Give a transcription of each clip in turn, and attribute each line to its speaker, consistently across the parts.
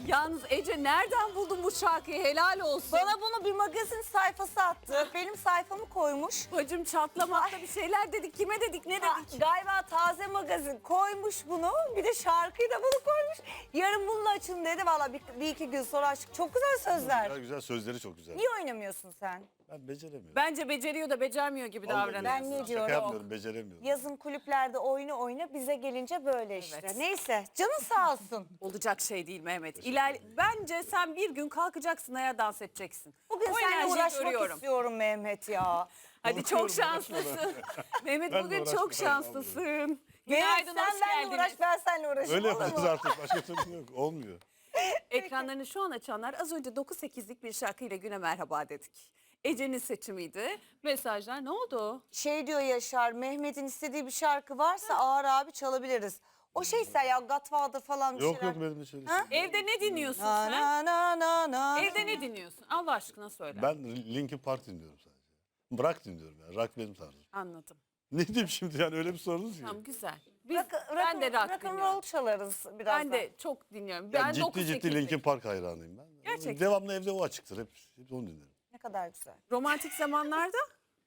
Speaker 1: Yalnız Ece nereden buldun bu şarkıyı? Helal olsun.
Speaker 2: Bana bunu bir magazin sayfası attı. Benim sayfamı koymuş.
Speaker 1: Bacım çatlamakta bir şeyler dedik. Kime dedik, ne dedik?
Speaker 2: Galiba Taze Magazin koymuş bunu. Bir de şarkıyı da bunu koymuş. Yarın bununla açın dedi. Valla bir iki gün sonra açtık. Çok güzel sözler.
Speaker 3: Güzel, güzel sözleri çok güzel.
Speaker 2: Niye oynamıyorsun sen?
Speaker 3: Ben beceremiyorum.
Speaker 1: Bence beceriyor da becermiyor gibi
Speaker 3: Vallahi
Speaker 1: davranıyor.
Speaker 2: Ben ne
Speaker 3: Şaka
Speaker 2: diyorum?
Speaker 3: yapmıyorum, beceremiyorum.
Speaker 2: Yazın kulüplerde oyna bize gelince böyle işte.
Speaker 1: Evet.
Speaker 2: Neyse canın sağ olsun.
Speaker 1: Olacak şey değil Mehmet.
Speaker 3: ederim.
Speaker 1: Bence sen bir gün kalkacaksın, ayağa dans edeceksin.
Speaker 2: Bugün
Speaker 1: O
Speaker 2: seninle
Speaker 1: enerjiyi
Speaker 2: uğraşmak
Speaker 1: görüyorum.
Speaker 2: istiyorum Mehmet ya.
Speaker 1: Hadi çok
Speaker 3: Korkuyorum,
Speaker 1: şanslısın. Mehmet
Speaker 3: Ben de
Speaker 1: bugün çok
Speaker 3: uğraşmayayım
Speaker 1: şanslısın.
Speaker 2: Mehmet
Speaker 1: Günaydın,
Speaker 2: sen
Speaker 1: hoş
Speaker 2: benimle
Speaker 1: geldiniz.
Speaker 2: uğraş ben seninle uğraşayım.
Speaker 3: Öyle
Speaker 2: olur
Speaker 3: yapacağız
Speaker 2: mu?
Speaker 3: artık. Başka türlü yok. Olmuyor.
Speaker 1: Ekranlarını şu an açanlar az önce 9-8'lik bir şarkıyla güne merhaba dedik. Ece'nin seçimiydi. Mesajlar ne oldu?
Speaker 2: Şey diyor Yaşar, Mehmet'in istediği bir şarkı varsa Ağır abi çalabiliriz. O şeyse ya Godfather falan bir
Speaker 3: Yok
Speaker 2: şeyler.
Speaker 3: yok benim de şöyle.
Speaker 2: Ha?
Speaker 1: Evde ne dinliyorsun
Speaker 2: Na
Speaker 1: sen?
Speaker 2: na na na na.
Speaker 1: Evde ne dinliyorsun? Allah aşkına söyle.
Speaker 3: Ben Linkin Park dinliyorum sadece. Rock dinliyorum yani. Rock benim tarzım.
Speaker 1: Anladım.
Speaker 3: Ne diyeyim şimdi yani öyle bir sorunuz ki.
Speaker 1: Tamam, güzel. Biz,
Speaker 2: Ben de
Speaker 1: rock
Speaker 2: rock and
Speaker 1: dinliyorum.
Speaker 2: roll çalarız birazdan.
Speaker 1: Ben de çok dinliyorum.
Speaker 3: Yani
Speaker 1: Ben
Speaker 3: ciddi
Speaker 1: 9-8'lik.
Speaker 3: Linkin Park hayranıyım ben.
Speaker 1: Gerçekten.
Speaker 3: Devamlı evde o açıktır. Hep onu dinlerim.
Speaker 2: Ne kadar güzel.
Speaker 1: Romantik zamanlarda?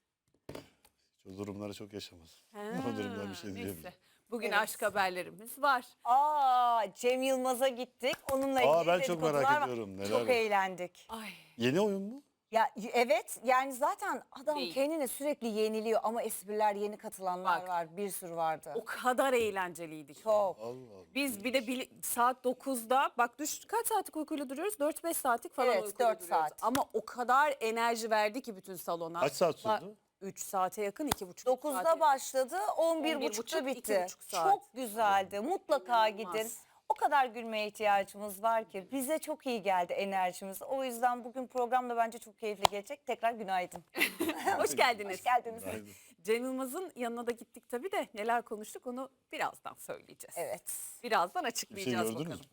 Speaker 3: O durumları çok yaşamadım.
Speaker 1: Ha,
Speaker 3: O durumdan bir şey diyemiyorum.
Speaker 1: neyse. Bugün
Speaker 2: Evet.
Speaker 1: aşk haberlerimiz var.
Speaker 2: Cem Yılmaz'a gittik. Onunla ilgili
Speaker 3: Ben çok merak
Speaker 2: dedikodular var.
Speaker 3: ediyorum, neler
Speaker 2: Çok
Speaker 3: var?
Speaker 2: eğlendik.
Speaker 1: Ay.
Speaker 3: Yeni oyun mu?
Speaker 2: Ya evet yani zaten adam
Speaker 1: Değil.
Speaker 2: kendini sürekli yeniliyor ama espriler yeni katılanlar
Speaker 1: Bak.
Speaker 2: var. Bir sürü vardı.
Speaker 1: O kadar eğlenceliydi ki.
Speaker 2: Çok.
Speaker 3: Allah Allah.
Speaker 1: Biz bir de saat 9'da bak kaç saatlik uykuyla duruyoruz? 4-5 saatlik falan
Speaker 2: Evet,
Speaker 1: uykuyla
Speaker 2: 4
Speaker 1: duruyoruz.
Speaker 2: saat.
Speaker 1: Ama o kadar enerji verdi ki bütün salona.
Speaker 3: Kaç saat sürdü?
Speaker 1: 3 saate yakın, 2,5
Speaker 2: 9'da
Speaker 1: saate.
Speaker 2: başladı, 11.30'da
Speaker 1: 11.30,
Speaker 2: bitti.
Speaker 1: 2,5 saat.
Speaker 2: Çok güzeldi. Mutlaka
Speaker 1: İnanılmaz.
Speaker 2: gidin. O kadar gülmeye ihtiyacımız var ki bize çok iyi geldi enerjimiz. O yüzden bugün program da bence çok keyifli gelecek. Tekrar günaydın.
Speaker 1: Hoş geldiniz.
Speaker 2: Hoş geldiniz.
Speaker 3: Günaydın.
Speaker 1: Cem Yılmaz'ın yanına da gittik tabii de neler konuştuk onu birazdan söyleyeceğiz.
Speaker 2: Evet.
Speaker 1: Birazdan
Speaker 3: Bir şey
Speaker 1: açıklayacağız
Speaker 3: gördünüz
Speaker 1: bakalım.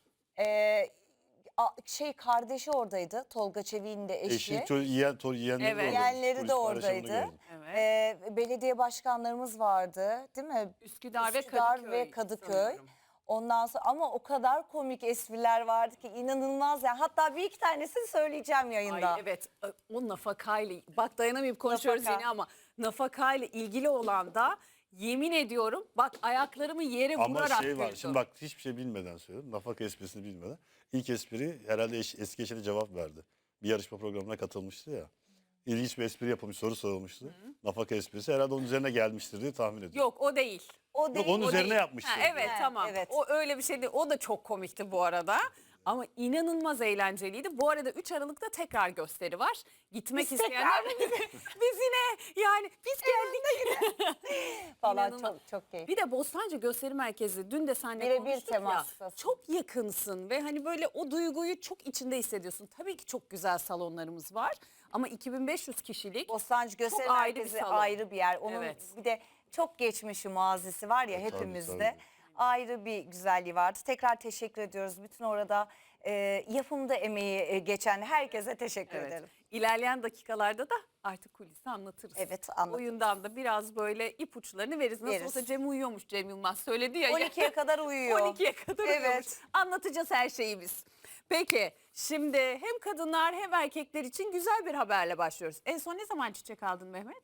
Speaker 2: Şey kardeşi oradaydı. Tolga Çevik'in de eşi.
Speaker 3: Eşi, yeğenleri
Speaker 1: Evet.
Speaker 3: de oradaydı.
Speaker 2: Yeğenleri
Speaker 3: Polis
Speaker 2: de
Speaker 3: paylaşımını
Speaker 2: oradaydı.
Speaker 3: gördüm.
Speaker 1: Evet.
Speaker 2: Belediye başkanlarımız vardı, değil mi?
Speaker 1: Üsküdar ve Kadıköy sanıyorum.
Speaker 2: Ondan sonra ama o kadar komik espriler vardı ki inanılmaz ya. Hatta bir iki tanesini söyleyeceğim yayında.
Speaker 1: Ay evet, o nafakayla bak dayanamayıp konuşuyoruz
Speaker 2: Nafaka.
Speaker 1: yine ama nafakayla ilgili olan da yemin ediyorum bak ayaklarımı yere
Speaker 3: Ama
Speaker 1: vurarak
Speaker 3: şey var,
Speaker 1: güldüm.
Speaker 3: şimdi bak hiçbir şey bilmeden söylüyorum. Nafaka esprisini bilmeden. İlk espri herhalde eski eşine cevap verdi. Bir yarışma programına katılmıştı ya. İlginç bir espri yapılmış, soru sorulmuştu. Nafaka esprisi herhalde onun üzerine gelmiştir diye tahmin ediyorum.
Speaker 1: Yok o değil.
Speaker 2: O değil.
Speaker 3: onun
Speaker 1: O
Speaker 3: üzerine
Speaker 1: değil.
Speaker 3: yapmıştı.
Speaker 1: Ha, evet
Speaker 2: Ha,
Speaker 1: tamam.
Speaker 2: evet.
Speaker 1: O öyle bir şey değil. O da çok komikti bu arada. Ama inanılmaz eğlenceliydi. Bu arada 3 Aralık'ta tekrar gösteri var. Gitmek
Speaker 2: Biz
Speaker 1: isteyenler biz yine yani biz geldik.
Speaker 2: falan
Speaker 1: İnanılmaz.
Speaker 2: çok keyifli.
Speaker 1: Bir de Bostancı Gösteri Merkezi dün de seninle
Speaker 2: Birebir
Speaker 1: konuştuk ya.
Speaker 2: temastasın.
Speaker 1: Çok yakınsın ve hani böyle o duyguyu çok içinde hissediyorsun. Tabii ki çok güzel salonlarımız var ama 2500 kişilik
Speaker 2: Bostancı Gösteri
Speaker 1: çok ayrı bir
Speaker 2: Merkezi
Speaker 1: salon.
Speaker 2: ayrı bir yer. Onun
Speaker 1: Evet.
Speaker 2: bir de çok geçmişi mazisi var ya
Speaker 3: Tabii,
Speaker 2: hepimizde.
Speaker 3: tabii.
Speaker 2: Ayrı bir güzelliği vardı. Tekrar teşekkür ediyoruz. Bütün orada yapımda emeği geçen herkese teşekkür
Speaker 1: Evet.
Speaker 2: ederim.
Speaker 1: İlerleyen dakikalarda da artık kulisi anlatırız.
Speaker 2: Evet, anlatırız.
Speaker 1: Oyundan da biraz böyle ipuçlarını veririz. Nasıl
Speaker 2: Veririz.
Speaker 1: olsa Cem uyuyormuş, Cem Yılmaz söyledi ya.
Speaker 2: 12'ye kadar uyuyor.
Speaker 1: 12'ye kadar
Speaker 2: Evet.
Speaker 1: uyuyormuş. Anlatacağız her şeyi biz. Peki şimdi hem kadınlar hem erkekler için güzel bir haberle başlıyoruz. En son ne zaman çiçek aldın Mehmet?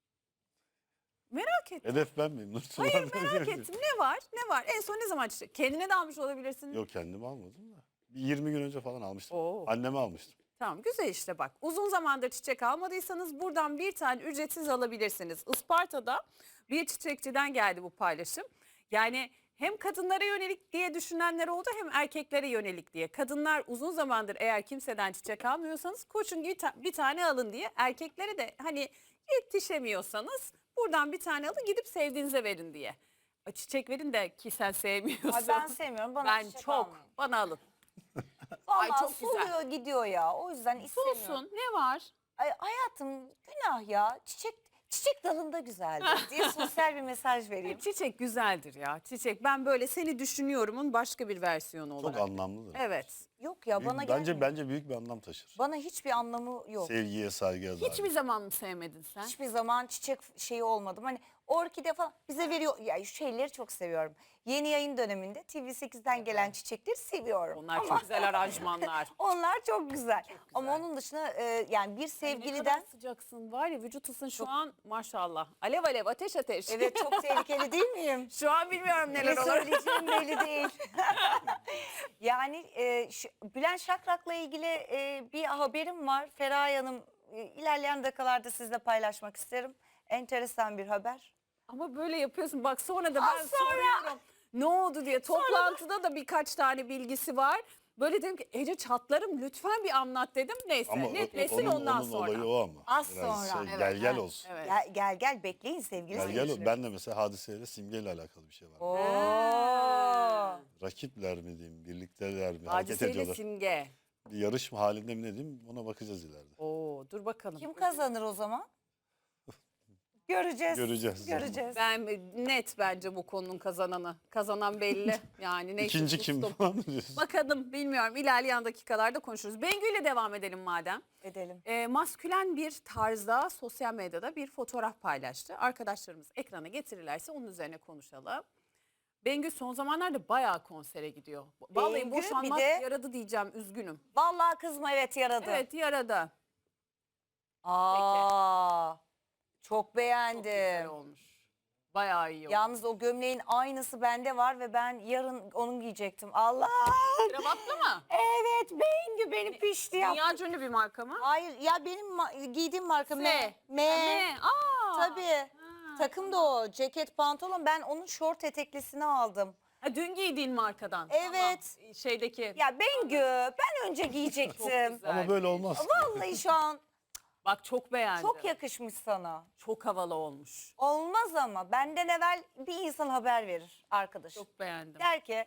Speaker 1: Merak ettim.
Speaker 3: Hedef ben miyim? Nursullah?
Speaker 1: Hayır merak ettim. Ne var? Ne var? En son ne zaman çiçek? Kendine de almış olabilirsin.
Speaker 3: Yok kendimi almadım da. Bir 20 gün önce falan almıştım.
Speaker 1: Oo.
Speaker 3: Anneme almıştım.
Speaker 1: Tamam güzel işte bak. Uzun zamandır çiçek almadıysanız buradan bir tane ücretsiz alabilirsiniz. Isparta'da bir çiçekçiden geldi bu paylaşım. Yani hem kadınlara yönelik diye düşünenler oldu hem erkeklere yönelik diye. Kadınlar uzun zamandır eğer kimseden çiçek almıyorsanız koşun bir tane alın diye. Erkeklere de hani yetişemiyorsanız buradan bir tane alın gidip sevdiğinize verin diye. Çiçek verin de ki sen sevmiyorsan.
Speaker 2: Ay ben sevmiyorum. Bana
Speaker 1: Ben
Speaker 2: çiçek
Speaker 1: çok.
Speaker 2: almayın.
Speaker 1: Bana alın.
Speaker 2: Vallahi
Speaker 1: Ay, çok güzel.
Speaker 2: soluyor gidiyor ya. O yüzden istemiyorum.
Speaker 1: Olsun ne var?
Speaker 2: Ay, hayatım günah ya. Çiçek dalında güzeldir diye sosyal bir mesaj vereyim.
Speaker 1: Çiçek güzeldir ya. Çiçek ben böyle seni düşünüyorumun başka bir versiyonu
Speaker 3: Çok
Speaker 1: olarak.
Speaker 3: anlamlıdır.
Speaker 1: Evet.
Speaker 2: Yok ya bana
Speaker 3: Bence
Speaker 2: gelmiyor.
Speaker 3: bence büyük bir anlam taşır.
Speaker 2: Bana hiçbir anlamı yok.
Speaker 3: Sevgiye, saygıya dair.
Speaker 1: Hiçbir zaman mı sevmedin sen?
Speaker 2: Hiçbir zaman çiçek şeyi olmadım. Hani orkide falan bize veriyor. Ya şu şeyleri çok seviyorum. Yeni yayın döneminde TV8'den gelen çiçekleri seviyorum.
Speaker 1: Onlar çok güzel aranjmanlar.
Speaker 2: Onlar çok güzel. Ama
Speaker 1: güzel.
Speaker 2: onun dışında yani bir
Speaker 1: Ne kadar
Speaker 2: sevgiliden
Speaker 1: sıcaksın var ya, vücut ısın şu an maşallah. Alev alev, ateş ateş.
Speaker 2: evet çok tehlikeli değil miyim?
Speaker 1: Şu an bilmiyorum neler
Speaker 2: Ne
Speaker 1: olur.
Speaker 2: söyleyeceğim belli değil. Yani Bülent Şakrak'la ilgili bir haberim var. Feraye Hanım ilerleyen dakikalarda sizle paylaşmak isterim. Enteresan bir haber.
Speaker 1: Ama böyle yapıyorsun. Bak sonra da ben
Speaker 2: Az sonra.
Speaker 1: soruyorum. Ne oldu diye. Toplantıda da birkaç tane bilgisi var. Böyle dedim ki Ece çatlarım lütfen bir anlat dedim. Neyse
Speaker 3: Ama
Speaker 1: netlesin
Speaker 3: onun
Speaker 1: ondan
Speaker 3: onun
Speaker 1: sonra.
Speaker 3: olayı o ama.
Speaker 2: Az
Speaker 3: Biraz
Speaker 2: sonra.
Speaker 3: gel gel
Speaker 1: ha,
Speaker 3: olsun.
Speaker 1: Evet.
Speaker 2: Gel bekleyin sevgili
Speaker 3: Gel gel
Speaker 2: seyirciler.
Speaker 3: ben de mesela hadiseyle simgeyle alakalı bir şey var.
Speaker 2: Oo.
Speaker 3: Rakipler mi diyeyim, birlikteler mi, hareket
Speaker 1: Hadiseyle
Speaker 3: ediyorlar.
Speaker 1: simge.
Speaker 3: Bir yarışma halinde mi ne diyeyim ona bakacağız ileride.
Speaker 1: Oo, dur bakalım.
Speaker 2: Kim kazanır o zaman? Göreceğiz.
Speaker 3: Göreceğiz.
Speaker 2: Göreceğiz.
Speaker 1: Ben net bence bu konunun kazananı. Kazanan belli. Yani neyse,
Speaker 3: İkinci kim
Speaker 1: sustum.
Speaker 3: falan mı diyorsun?
Speaker 1: Bakalım, bilmiyorum. İlerleyen dakikalarda konuşuruz. Bengü ile devam edelim madem.
Speaker 2: Edelim.
Speaker 1: Maskülen bir tarzda sosyal medyada bir fotoğraf paylaştı. Arkadaşlarımız ekrana getirirlerse onun üzerine konuşalım. Bengü son zamanlarda bayağı konsere gidiyor. Vallahi
Speaker 2: Bengü
Speaker 1: boşanmak
Speaker 2: bir de-
Speaker 1: yaradı diyeceğim, üzgünüm.
Speaker 2: Vallahi kızma evet yaradı.
Speaker 1: Evet, yaradı.
Speaker 2: Aa, çok
Speaker 1: Çok güzel
Speaker 2: beğendim.
Speaker 1: olmuş. Bayağı iyi olmuş.
Speaker 2: Yalnız o gömleğin aynısı bende var ve ben yarın onu giyecektim. Allah!
Speaker 1: Kravatlı mı?
Speaker 2: Evet Bengü benim pişti ya.
Speaker 1: Dünya ünlü bir marka mı?
Speaker 2: Hayır ya benim giydiğim marka
Speaker 1: S.
Speaker 2: M.
Speaker 1: Ne? Aa.
Speaker 2: Tabii.
Speaker 1: Ha.
Speaker 2: Takım da o. Ceket pantolon. Ben onun şort eteklisini aldım.
Speaker 1: Ha, dün giydiğin markadan.
Speaker 2: Evet.
Speaker 1: Tamam. Şeydeki.
Speaker 2: Ya Bengü ben önce giyecektim.
Speaker 1: güzel.
Speaker 3: Ama böyle olmaz.
Speaker 2: Vallahi şu an
Speaker 1: Bak çok beğendim.
Speaker 2: çok yakışmış sana.
Speaker 1: Çok havalı olmuş.
Speaker 2: Olmaz ama benden evvel bir insan haber verir arkadaş.
Speaker 1: Çok beğendim.
Speaker 2: Der ki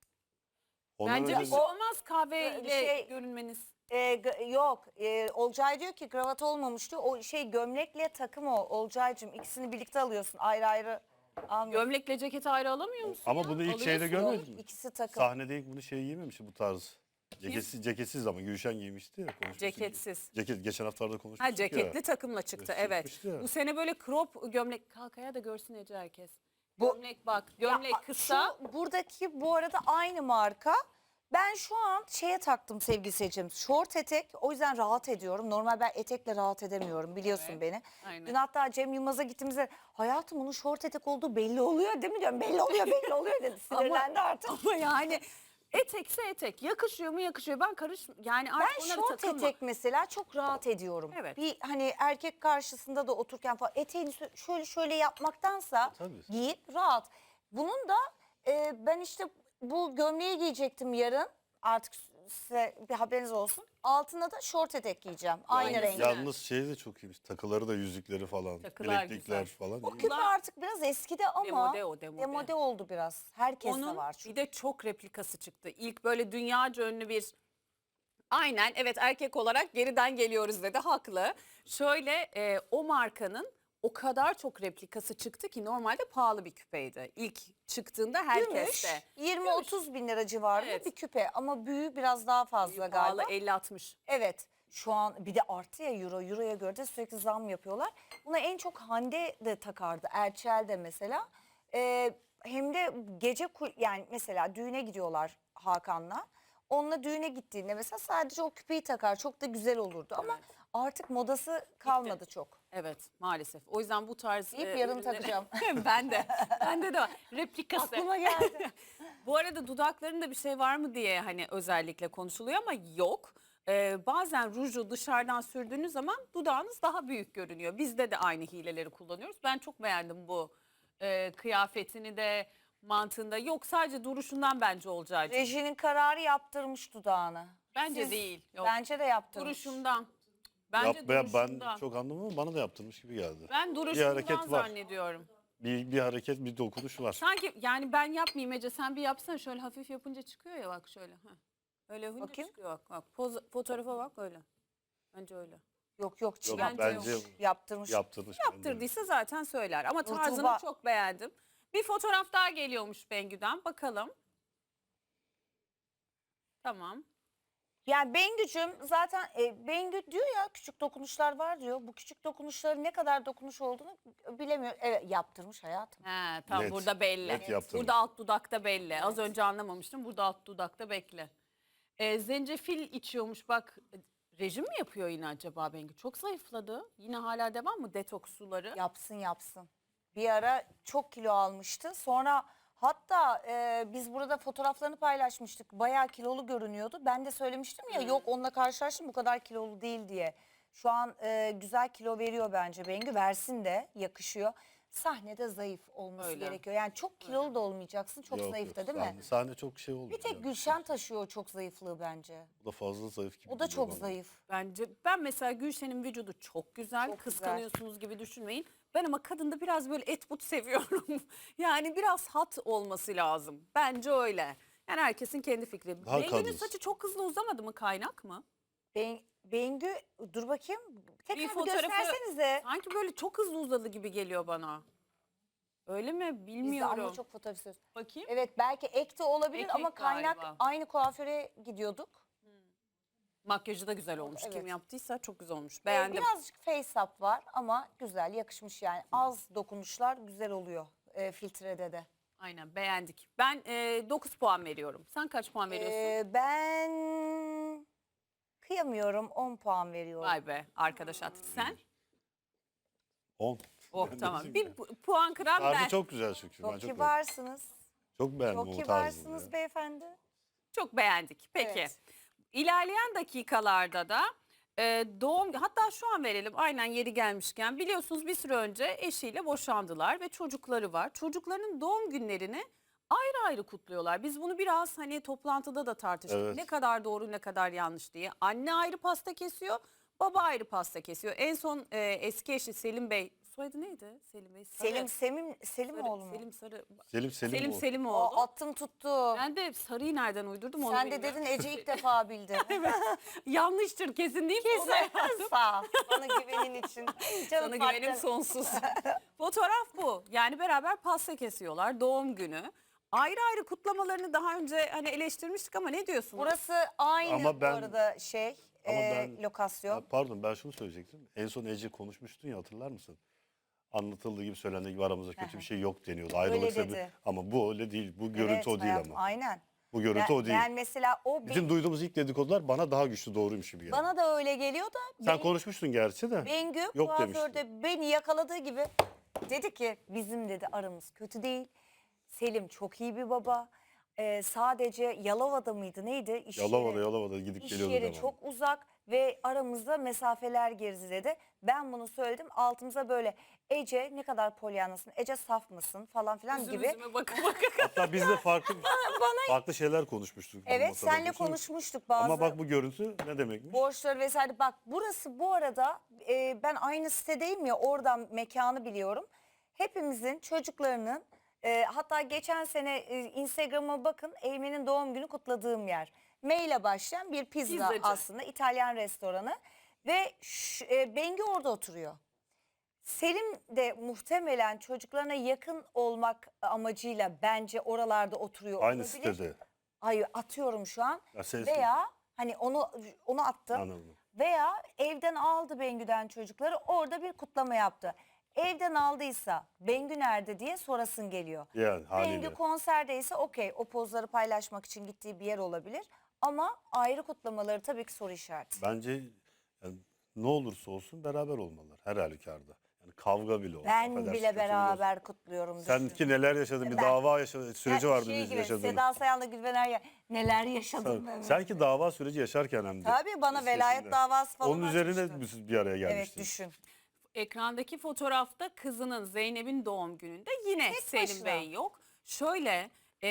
Speaker 3: Ondan
Speaker 1: Bence
Speaker 3: önce
Speaker 1: bir şey olmaz kahveyle
Speaker 2: şey-
Speaker 1: görünmeniz.
Speaker 2: yok Olcay diyor ki kravat olmamıştı. O şey gömlekle takım o Olcaycığım ikisini birlikte alıyorsun ayrı ayrı almıyorsun.
Speaker 1: Gömlekle ceketi ayrı alamıyor musun
Speaker 3: Ama
Speaker 1: ya?
Speaker 3: bunu ilk şeyde
Speaker 1: Alıyorsun.
Speaker 3: görmedin mi?
Speaker 2: İkisi takım.
Speaker 3: Sahnede ilk bunu şey giymemişti bu tarz. Ceketsiz ama Gülşen giymişti ya. konuşmuştuk.
Speaker 1: Ceketsiz.
Speaker 3: Ceket geçen haftalarda konuşmuştuk
Speaker 1: Ha, ceketli
Speaker 3: ya.
Speaker 1: takımla çıktı,
Speaker 3: Evet,
Speaker 1: evet.
Speaker 3: çıkmıştı ya.
Speaker 1: Bu sene böyle crop gömlek. Kalkaya da görsün Ece herkes.
Speaker 2: Bu-
Speaker 1: Gömlek bak.
Speaker 2: Ya,
Speaker 1: Gömlek kısa.
Speaker 2: buradaki bu arada aynı marka. Ben şu an şeye taktım sevgili seyircim. Şort etek o yüzden rahat ediyorum. Normal ben etekle rahat edemiyorum biliyorsun
Speaker 1: Evet,
Speaker 2: beni.
Speaker 1: aynen.
Speaker 2: Dün hatta Cem Yılmaz'a gittiğimizde hayatım onun şort etek olduğu belli oluyor değil mi diyorum. Belli oluyor dedi. Sinirlendi artık.
Speaker 1: Ama yani etekse etek. Yakışıyor mu yakışıyor. Ben yani
Speaker 2: Ben
Speaker 1: artık onlara
Speaker 2: şort
Speaker 1: takılma.
Speaker 2: etek mesela çok rahat ediyorum.
Speaker 1: Evet.
Speaker 2: Bir hani erkek karşısında da otururken falan eteğini şöyle yapmaktansa
Speaker 3: Tabii.
Speaker 2: giyip rahat. Bunun da ben işte bu gömleği giyecektim yarın. Artık size bir haberiniz olsun. Altına da şort etek giyeceğim. Aynı
Speaker 1: Aynısı.
Speaker 2: renk.
Speaker 3: Yalnız şey de çok iyiymiş. Takıları da yüzükleri falan.
Speaker 1: Takılar
Speaker 3: bileklikler
Speaker 1: güzel.
Speaker 3: falan.
Speaker 2: O
Speaker 3: iyi.
Speaker 2: küpe artık biraz eskidi ama
Speaker 1: Demode o, demode.
Speaker 2: demode oldu biraz. Herkeste
Speaker 1: Onun
Speaker 2: var
Speaker 1: bir
Speaker 2: çünkü.
Speaker 1: de çok replikası çıktı. İlk böyle dünyaca ünlü bir, aynen evet, erkek olarak geriden geliyoruz dedi, haklı. Şöyle o markanın o kadar çok replikası çıktı ki normalde pahalı bir küpeydi. İlk çıktığında
Speaker 2: Gümüş
Speaker 1: herkeste.
Speaker 2: 20-30 bin lira civarında
Speaker 1: Evet.
Speaker 2: bir küpe ama büyüğü biraz daha fazla
Speaker 1: Pahalı
Speaker 2: galiba.
Speaker 1: 50-60.
Speaker 2: Evet şu an bir de arttı ya euro. Euro'ya göre de sürekli zam yapıyorlar. Buna en çok Hande de takardı. Erçel de mesela. Hem de gece yani mesela düğüne gidiyorlar Hakan'la. Onunla düğüne gittiğinde mesela sadece o küpeyi takar. Çok da güzel olurdu ama
Speaker 1: Evet.
Speaker 2: artık modası kalmadı çok.
Speaker 1: Evet, maalesef. O yüzden bu tarz
Speaker 2: Deyip yarın
Speaker 1: ürünleri-
Speaker 2: takacağım.
Speaker 1: Ben de. Bende de var. Replikası.
Speaker 2: Aklıma geldi.
Speaker 1: Bu arada dudaklarında bir şey var mı diye hani özellikle konuşuluyor ama yok. Bazen ruju dışarıdan sürdüğünüz zaman dudağınız daha büyük görünüyor. Bizde de aynı hileleri kullanıyoruz. Ben çok beğendim bu kıyafetini de, mantığında. Yok, sadece duruşundan bence olacağı.
Speaker 2: Rejinin kararı yaptırmış dudağını.
Speaker 1: Bence
Speaker 2: Siz-
Speaker 1: değil. Yok.
Speaker 2: Bence de yaptırmış.
Speaker 1: Duruşundan. Bence
Speaker 3: Ben
Speaker 1: duruşundan.
Speaker 3: çok anlamadım ama bana da yaptırmış gibi geldi.
Speaker 1: Ben duruşundan
Speaker 3: hareket var.
Speaker 1: zannediyorum.
Speaker 3: Bir hareket, bir dokunuş var.
Speaker 1: Sanki yani ben yapmayayım Ece, sen bir yapsana, şöyle hafif yapınca çıkıyor ya, bak şöyle. Heh. Öyle yapınca
Speaker 2: Bakayım.
Speaker 1: çıkıyor, bak. Fotoğrafa bak öyle. Bence öyle.
Speaker 2: Yok
Speaker 3: Yok,
Speaker 2: çıkartmış.
Speaker 3: bence
Speaker 2: Yaptırmış.
Speaker 3: yaptırmış.
Speaker 1: Yaptırdıysa zaten söyler ama
Speaker 2: Nurtuğba-
Speaker 1: tarzını çok beğendim. Bir fotoğraf daha geliyormuş Bengü'den, bakalım. Tamam.
Speaker 2: Yani Bengücüm zaten Bengü diyor ya küçük dokunuşlar var diyor. Bu küçük dokunuşların ne kadar dokunuş olduğunu bilemiyor. Evet yaptırmış hayatım.
Speaker 1: He, tamam
Speaker 3: Net,
Speaker 1: burada belli.
Speaker 3: net yaptırmış.
Speaker 1: Burada alt dudakta belli. Az önce anlamamıştım. Burada alt dudakta belli. Zencefil içiyormuş bak. Rejim mi yapıyor yine acaba Bengü? Çok zayıfladı. Yine hala devam mı detoks suları?
Speaker 2: Yapsın yapsın. Bir ara çok kilo almıştı. Sonra hatta biz burada fotoğraflarını paylaşmıştık. Bayağı kilolu görünüyordu. Ben de söylemiştim ya yok onunla karşılaştım bu kadar kilolu değil diye. Şu an güzel kilo veriyor bence Bengü. Versin de yakışıyor. Sahnede zayıf olması
Speaker 1: Öyle.
Speaker 2: gerekiyor. Yani çok kilolu da olmayacaksın. Çok
Speaker 3: Yok,
Speaker 2: zayıf da
Speaker 3: yok.
Speaker 2: değil mi?
Speaker 3: Sahne çok şey oldu.
Speaker 2: Bir tek Gülşen taşıyor o çok zayıflığı bence.
Speaker 3: O da fazla zayıf gibi.
Speaker 2: O da
Speaker 3: geliyor
Speaker 2: çok
Speaker 3: bana.
Speaker 2: zayıf.
Speaker 1: Bence ben mesela Gülşen'in vücudu çok güzel.
Speaker 2: Çok güzel.
Speaker 1: Kıskanıyorsunuz gibi düşünmeyin. Ben ama kadında biraz böyle et but seviyorum. Yani biraz hat olması lazım. Bence öyle. Yani herkesin kendi fikri.
Speaker 3: Daha
Speaker 1: Bengü'nün
Speaker 3: kadın.
Speaker 1: saçı çok hızlı uzamadı mı? Kaynak mı?
Speaker 2: Bengü dur bakayım. Tekrar bir
Speaker 1: fotoğrafı-
Speaker 2: göstersenize.
Speaker 1: Sanki böyle çok hızlı uzadı gibi geliyor bana. Öyle mi?
Speaker 2: Biz de
Speaker 1: Bilmiyorum.
Speaker 2: ama çok fotoğraf istiyoruz.
Speaker 1: Bakayım.
Speaker 2: Evet belki ek de olabilir
Speaker 1: Ek
Speaker 2: ama
Speaker 1: ek
Speaker 2: kaynak
Speaker 1: galiba.
Speaker 2: aynı kuaföre gidiyorduk.
Speaker 1: Makyajı da güzel olmuş.
Speaker 2: Evet.
Speaker 1: Kim yaptıysa çok güzel olmuş. Beğendim.
Speaker 2: Birazcık face up var ama güzel yakışmış yani. Az dokunuşlar güzel oluyor filtrede de.
Speaker 1: Aynen beğendik. Ben 9 puan veriyorum. Sen kaç puan veriyorsun?
Speaker 2: Ben kıyamıyorum 10 puan veriyorum.
Speaker 1: Vay be arkadaş artık sen.
Speaker 3: 10.
Speaker 1: Oh
Speaker 3: Ben de
Speaker 1: tamam.
Speaker 3: diyeyim
Speaker 1: Bir puan kıran ben.
Speaker 3: Tarzı çok güzel çünkü.
Speaker 2: Çok
Speaker 3: ben çok
Speaker 2: kibarsınız.
Speaker 3: Çok beğendim
Speaker 2: Çok
Speaker 3: o tarzını.
Speaker 2: kibarsınız
Speaker 3: ya.
Speaker 2: beyefendi.
Speaker 1: Çok beğendik. Peki.
Speaker 2: Evet.
Speaker 1: İlerleyen dakikalarda da doğum hatta şu an verelim aynen yeri gelmişken biliyorsunuz bir süre önce eşiyle boşandılar ve çocukları var. Çocuklarının doğum günlerini ayrı ayrı kutluyorlar. Biz bunu biraz hani toplantıda da tartıştık.
Speaker 3: Evet.
Speaker 1: Ne kadar doğru ne kadar yanlış diye. Anne ayrı pasta kesiyor, baba ayrı pasta kesiyor. En son eski eşi Selim Bey, soyadı neydi Selim Bey? Sarı.
Speaker 2: Selimoğlu mu?
Speaker 1: Selim Sarı.
Speaker 3: Selim
Speaker 1: Selim
Speaker 3: o.
Speaker 1: Selimoğlu.
Speaker 2: O attım tuttu.
Speaker 1: Ben de Sarı'yı nereden uydurdum onu
Speaker 2: Sen de
Speaker 1: bilmiyorum.
Speaker 2: dedin Ece ilk defa bildi.
Speaker 1: Yanlıştır kesin deyip ona
Speaker 2: Kesin. Sağ ol. Bana güvenin için. Canım
Speaker 1: sana güvenim
Speaker 2: partner.
Speaker 1: sonsuz. Fotoğraf bu. Yani beraber pasta kesiyorlar doğum günü. Ayrı ayrı kutlamalarını daha önce hani eleştirmiştik ama ne diyorsunuz?
Speaker 2: Burası aynı
Speaker 3: Ama
Speaker 2: bu
Speaker 3: ben-
Speaker 2: arada
Speaker 3: Ama ben-
Speaker 2: lokasyon.
Speaker 3: Ya pardon ben şunu söyleyecektim. En son Ece konuşmuştun ya hatırlar mısın? Anlatıldığı gibi söylendiği gibi aramızda kötü bir şey yok deniyordu. Ayrılık
Speaker 2: Öyle
Speaker 3: sebebi.
Speaker 2: dedi.
Speaker 3: Ama bu öyle değil. Bu görüntü
Speaker 2: Evet,
Speaker 3: o değil
Speaker 2: hayatım,
Speaker 3: ama.
Speaker 2: Aynen.
Speaker 3: Bu görüntü o değil.
Speaker 2: Ben mesela o
Speaker 3: Bütün duyduğumuz ilk dedikodular bana daha güçlü doğruymuş gibi geldi.
Speaker 2: bana da öyle geliyor da
Speaker 3: Sen konuşmuştun gerçi de.
Speaker 2: Bengü
Speaker 3: Yok
Speaker 2: kuaförde beni yakaladığı gibi dedi ki bizim dedi aramız kötü değil. Selim çok iyi bir baba. Sadece Yalova'da mıydı neydi? İş
Speaker 3: Yalova'da gidip
Speaker 2: İş
Speaker 3: geliyordu.
Speaker 2: yeri
Speaker 3: devamlı.
Speaker 2: çok uzak ve aramızda mesafeler gerizledi. Ben bunu söyledim altımıza böyle Ece ne kadar polyanlısın, Ece saf mısın falan filan
Speaker 1: Üzüm
Speaker 2: gibi.
Speaker 1: üzüme bakın bakın.
Speaker 3: Hatta biz de farklı şeyler konuşmuştuk.
Speaker 2: Evet
Speaker 3: masada.
Speaker 2: senle
Speaker 3: Biliyorsun.
Speaker 2: konuşmuştuk bazı
Speaker 3: Ama bak bu görüntü ne demekmiş?
Speaker 2: borçları vesaire. Bak burası bu arada ben aynı sitedeyim ya oradan mekanı biliyorum. Hepimizin çocuklarının hatta geçen sene Instagram'a bakın Eymen'in doğum günü kutladığım yer. M ile başlayan bir pizza
Speaker 1: Pizzacı.
Speaker 2: aslında İtalyan restoranı ve Bengi orada oturuyor. Selim de muhtemelen çocuklarına yakın olmak amacıyla bence oralarda oturuyor
Speaker 3: Aynı
Speaker 2: olabilir.
Speaker 3: sitede.
Speaker 2: Hayır atıyorum şu an.
Speaker 3: Ya ses-
Speaker 2: Veya hani onu attım.
Speaker 3: Anladım.
Speaker 2: Veya evden aldı Bengü'den çocukları orada bir kutlama yaptı. Evden aldıysa Bengü nerede diye sorasın geliyor.
Speaker 3: Yani haliyle.
Speaker 2: Bengü konserdeyse okey o pozları paylaşmak için gittiği bir yer olabilir. Ama ayrı kutlamaları tabii ki soru işareti.
Speaker 3: Bence yani ne olursa olsun beraber olmalılar her halükarda. Yani kavga bile olsa.
Speaker 2: Ben
Speaker 3: affedersin,
Speaker 2: bile
Speaker 3: kötü
Speaker 2: beraber kutluyorum.
Speaker 3: biliyorsun.
Speaker 2: düşün.
Speaker 3: Sen ki neler yaşadın bir
Speaker 2: Ben-
Speaker 3: dava yaşadı süreci vardı
Speaker 2: şey
Speaker 3: biz
Speaker 2: gibi,
Speaker 3: yaşadığımız.
Speaker 2: Seda Sayan'la Gülben Ergen neler yaşadım ben.
Speaker 3: Sen ki dava süreci yaşarken hem de.
Speaker 2: Tabii bana
Speaker 3: listesinde.
Speaker 2: velayet davası falan
Speaker 3: Onun üzerine
Speaker 2: açmıştı.
Speaker 3: siz bir araya
Speaker 2: Evet
Speaker 3: gelmiştiniz.
Speaker 2: düşün.
Speaker 1: Ekrandaki fotoğrafta kızının Zeynep'in doğum gününde yine
Speaker 2: Tek
Speaker 1: Selim
Speaker 2: başına.
Speaker 1: Bey yok. Şöyle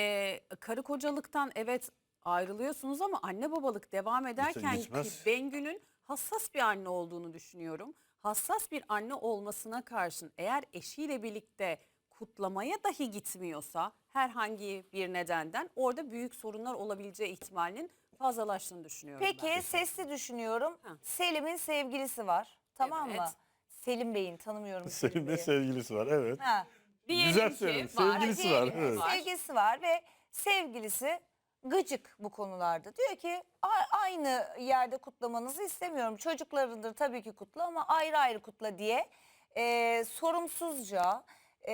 Speaker 1: karı kocalıktan evet ayrılıyorsunuz ama anne babalık devam ederken
Speaker 3: gitmez.
Speaker 1: Bengü'nün hassas bir anne olduğunu düşünüyorum. Hassas bir anne olmasına karşın eğer eşiyle birlikte kutlamaya dahi gitmiyorsa herhangi bir nedenden orada büyük sorunlar olabileceği ihtimalinin fazlalaştığını düşünüyorum
Speaker 2: Peki
Speaker 1: ben.
Speaker 2: sesli düşünüyorum.
Speaker 1: Ha.
Speaker 2: Selim'in sevgilisi var. Tamam mı?
Speaker 1: Evet.
Speaker 2: Selim Bey'in tanımıyorum
Speaker 3: Senin de
Speaker 2: Bey'i.
Speaker 3: sevgilisi var evet.
Speaker 2: Ha.
Speaker 1: Diyelim
Speaker 3: Güzel
Speaker 1: ki
Speaker 3: söyledin.
Speaker 1: var.
Speaker 3: Sevgilisi
Speaker 2: Diyelim
Speaker 3: var.
Speaker 2: ki
Speaker 3: Evet.
Speaker 2: Sevgilisi var ve sevgilisi gıcık bu konularda. Diyor ki aynı yerde kutlamanızı istemiyorum. Çocuklarındır tabii ki kutla ama ayrı ayrı kutla diye sorumsuzca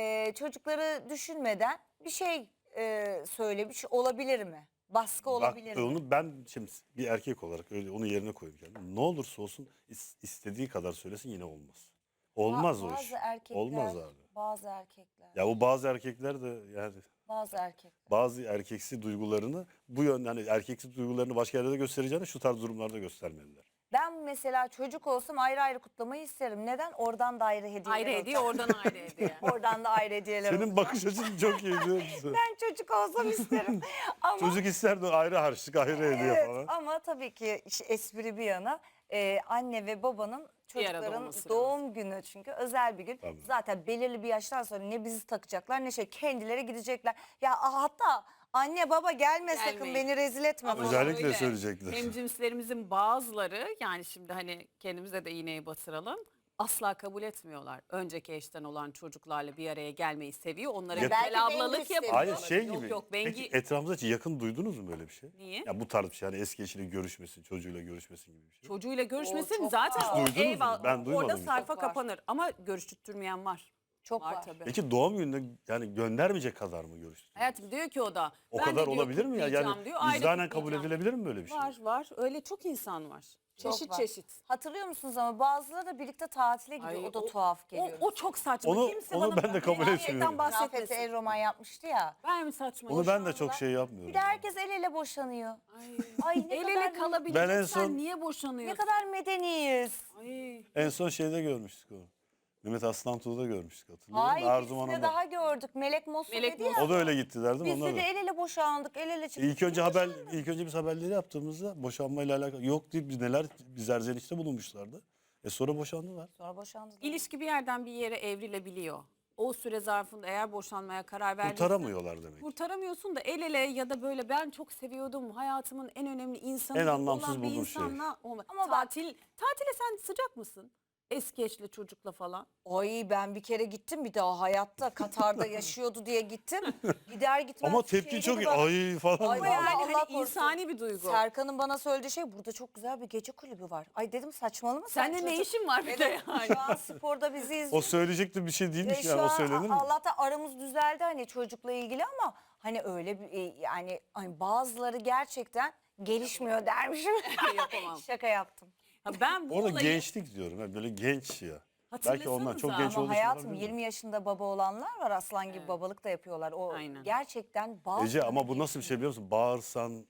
Speaker 2: çocukları düşünmeden bir şey söylemiş olabilir mi? Baskı olabilir
Speaker 3: Bak,
Speaker 2: mi?
Speaker 3: onu ben şimdi bir erkek olarak öyle onun yerine koyayım kendimi. Ne olursa olsun istediği kadar söylesin yine olmaz. Olmaz o iş.
Speaker 2: Bazı erkekler,
Speaker 3: Olmaz abi.
Speaker 2: bazı erkekler,
Speaker 3: Ya bu bazı erkekler de yani
Speaker 2: bazı erkekler.
Speaker 3: bazı erkeksi duygularını bu yönde hani erkeksi duygularını başka yerde de göstereceğini şu tarz durumlarda göstermeliler.
Speaker 2: Ben mesela çocuk olsam ayrı ayrı kutlamayı isterim. Neden? Oradan da ayrı hediyeler
Speaker 1: Ayrı
Speaker 2: olacak.
Speaker 1: hediye, oradan ayrı hediye.
Speaker 2: Oradan da ayrı hediyeler
Speaker 3: Senin
Speaker 2: olacak.
Speaker 3: bakış açın çok iyi biliyor musun?
Speaker 2: Ben çocuk olsam isterim. Ama
Speaker 3: Çocuk ister de ayrı harçlık ayrı hediye
Speaker 2: evet,
Speaker 3: falan.
Speaker 2: ama tabii ki espri bir yana anne ve babanın
Speaker 1: Bir arada
Speaker 2: çocukların
Speaker 1: olması
Speaker 2: doğum günü çünkü özel bir gün.
Speaker 3: Tabii.
Speaker 2: Zaten belirli bir yaştan sonra ne bizi takacaklar ne kendileri gidecekler. Ya hatta anne baba gelme sakın
Speaker 1: Gelmeyin.
Speaker 2: beni rezil etme.
Speaker 1: Ama
Speaker 2: falan.
Speaker 3: Özellikle
Speaker 1: öyle.
Speaker 3: söyleyecekler.
Speaker 1: Hemcinslerimizin bazıları, yani şimdi hani kendimize de iğneyi batıralım, asla kabul etmiyorlar. Önceki eşten olan çocuklarla bir araya gelmeyi seviyor. Onlara
Speaker 3: Ya-
Speaker 1: güzel
Speaker 2: Belki
Speaker 1: ablalık
Speaker 2: Bengi
Speaker 1: yapıyor.
Speaker 3: Hayır şey
Speaker 1: Yok
Speaker 3: gibi.
Speaker 1: yok,
Speaker 3: Peki
Speaker 1: Bengi
Speaker 3: etrafınızda hiç yakın duydunuz mu böyle bir şey?
Speaker 1: niye?
Speaker 3: Ya bu tarz bir şey hani eski eşiyle görüşmesin, çocuğuyla görüşmesin gibi bir şey.
Speaker 1: Çocuğuyla görüşmesin
Speaker 2: çok
Speaker 1: zaten
Speaker 2: var.
Speaker 1: o
Speaker 3: Duydunuz mu?
Speaker 1: eyvallah.
Speaker 3: Ben duymadım
Speaker 1: Orada
Speaker 3: hiç.
Speaker 1: sayfa
Speaker 2: Çok var.
Speaker 1: kapanır ama görüştürmeyen var.
Speaker 2: Çok
Speaker 1: Var
Speaker 2: var.
Speaker 1: tabii.
Speaker 3: Peki doğum gününde yani göndermeyecek kadar mı görüştünüz?
Speaker 1: Hayatım diyor ki o da.
Speaker 3: O
Speaker 1: ben de
Speaker 3: kadar
Speaker 1: diyor
Speaker 3: olabilir mi ya? Yani
Speaker 1: kutlayacağım diyor, ayrı
Speaker 3: vicdanen kabul
Speaker 1: kutlayacağım.
Speaker 3: edilebilir mi böyle bir şey?
Speaker 1: Var var, öyle çok insan var.
Speaker 2: Çok
Speaker 1: Çeşit
Speaker 2: var.
Speaker 1: çeşit.
Speaker 2: Hatırlıyor musunuz ama bazıları da birlikte tatile gidiyor.
Speaker 1: Ay,
Speaker 2: o da tuhaf geliyor.
Speaker 1: O çok saçma.
Speaker 3: Onu-
Speaker 1: Kimse
Speaker 3: onu
Speaker 1: bana
Speaker 3: ben de kabul
Speaker 1: gerçekten
Speaker 3: etmiyorum.
Speaker 2: Rafet'e
Speaker 1: bahsetmesin.
Speaker 2: el roman yapmıştı ya.
Speaker 1: Ben mi saçma?
Speaker 3: Onu ben de çok şey yapmıyorum.
Speaker 2: Bir de herkes el ele boşanıyor.
Speaker 1: Ay,
Speaker 2: Ay ne
Speaker 1: el
Speaker 2: kadar
Speaker 1: ele kalabileceksen
Speaker 3: Ben en son-
Speaker 1: niye
Speaker 2: ne
Speaker 1: boşanıyorsun?
Speaker 2: kadar medeniyiz.
Speaker 1: Ay.
Speaker 3: En son şeyde görmüştük onu. Mehmet Aslantuğ'da görmüştük hatırlıyor musun?
Speaker 2: Hayır
Speaker 3: Arzuman
Speaker 2: ikisini
Speaker 3: Hanım'la.
Speaker 2: daha gördük. Melek Mosul
Speaker 1: Melek
Speaker 2: dedi ya.
Speaker 1: Mosul.
Speaker 3: O da öyle gittiler değil mi?
Speaker 2: Biz
Speaker 3: Onlar
Speaker 2: de
Speaker 3: da.
Speaker 2: el ele boşandık, el ele çıktık.
Speaker 3: İlk önce biz haberleri yaptığımızda boşanmayla alakalı yok deyip biz erzenişte bulunmuşlardı. Sonra boşandılar.
Speaker 2: Sonra boşandılar.
Speaker 1: İlişki bir yerden bir yere evrilebiliyor. O süre zarfında eğer boşanmaya karar verdiysen
Speaker 3: Kurtaramıyorlar demek.
Speaker 1: kurtaramıyorsun da el ele ya da böyle ben çok seviyordum, hayatımın en önemli insanı
Speaker 3: En anlamsız
Speaker 1: olan bir
Speaker 3: bulduğum şey.
Speaker 1: insanla olma.
Speaker 2: Ama
Speaker 1: Ama tatile sen sıcak mısın? Eski eşli çocukla falan.
Speaker 2: Ay ben bir kere gittim bir daha hayatta Katar'da yaşıyordu diye gittim. Gider gitmez.
Speaker 3: Ama tepki
Speaker 2: şey
Speaker 3: çok
Speaker 2: dedi
Speaker 3: iyi.
Speaker 2: bana.
Speaker 3: Ay falan.
Speaker 2: Ay,
Speaker 1: Ama
Speaker 3: böyle.
Speaker 1: yani
Speaker 2: Allah
Speaker 1: hani
Speaker 2: korusun.
Speaker 1: insani bir duygu.
Speaker 2: Serkan'ın bana söylediği şey burada çok güzel bir gece kulübü var. Ay dedim saçmalama sen.
Speaker 1: Sende ne
Speaker 2: çocuk-
Speaker 1: işin var bir de
Speaker 2: Dedim,
Speaker 1: yani?
Speaker 2: Şu an sporda bizi izliyor.
Speaker 3: O söyleyecekti bir şey değilmiş
Speaker 2: Şu
Speaker 3: yani o
Speaker 2: an
Speaker 3: söylenir mi?
Speaker 2: Allah'tan aramız düzeldi hani çocukla ilgili ama hani öyle bir yani hani bazıları gerçekten gelişmiyor dermişim.
Speaker 1: Yapamam.
Speaker 2: Şaka yaptım.
Speaker 1: Ha, ben bu
Speaker 3: Orada
Speaker 1: olayı
Speaker 3: gençlik diyorum. Yani böyle genç ya. Belki onlar çok
Speaker 1: Hatırlasanıza.
Speaker 3: genç
Speaker 2: Ama
Speaker 3: olduğu için
Speaker 2: hayatım
Speaker 3: olabilir mi?
Speaker 2: 20 yaşında baba olanlar var aslan gibi babalık da yapıyorlar. O
Speaker 1: Aynen.
Speaker 2: gerçekten bazı
Speaker 3: Ece ama bu nasıl bir şey biliyor musun? Bağırsan,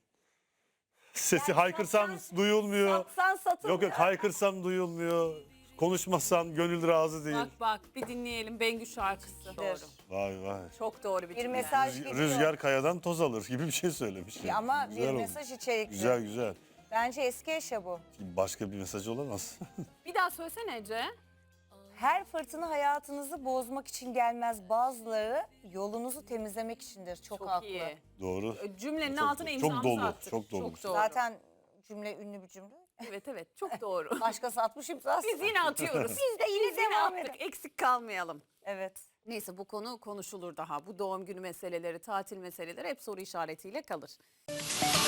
Speaker 3: sesi haykırsam duyulmuyor.
Speaker 2: Satsan satılmıyor.
Speaker 3: Yok haykırsam duyulmuyor. Konuşmasam gönül razı değil.
Speaker 1: bak bir dinleyelim Bengü şarkısı. Doğru.
Speaker 3: Vay vay.
Speaker 1: Çok doğru bir
Speaker 2: Bir
Speaker 1: cümle.
Speaker 2: mesaj gidiyor.
Speaker 3: Rüzgar kayadan toz alır gibi bir şey söylemiş. yani.
Speaker 2: Ama
Speaker 3: Güzel
Speaker 2: bir
Speaker 3: olmuş.
Speaker 2: mesaj içerikli.
Speaker 3: Güzel güzel.
Speaker 2: Bence eski eşya bu.
Speaker 3: Başka bir mesaj olamaz.
Speaker 1: Bir daha söylesene Ece.
Speaker 2: Her fırtına hayatınızı bozmak için gelmez. Bazıları yolunuzu temizlemek içindir. Çok,
Speaker 1: Çok
Speaker 2: haklı.
Speaker 1: iyi.
Speaker 3: Doğru.
Speaker 1: Cümlenin
Speaker 3: Çok
Speaker 1: altına
Speaker 3: doğru.
Speaker 1: imzamızı
Speaker 3: Çok dolu,
Speaker 1: attık.
Speaker 3: çok dolu.
Speaker 1: doğru.
Speaker 2: Zaten cümle ünlü bir cümle.
Speaker 1: Evet çok doğru.
Speaker 2: Başkası atmış imzası.
Speaker 1: Biz yine atıyoruz.
Speaker 2: Biz de yine devam edelim.
Speaker 1: attık. Eksik kalmayalım.
Speaker 2: Evet.
Speaker 1: Neyse bu konu konuşulur daha. Bu doğum günü meseleleri, tatil meseleleri hep soru işaretiyle kalır.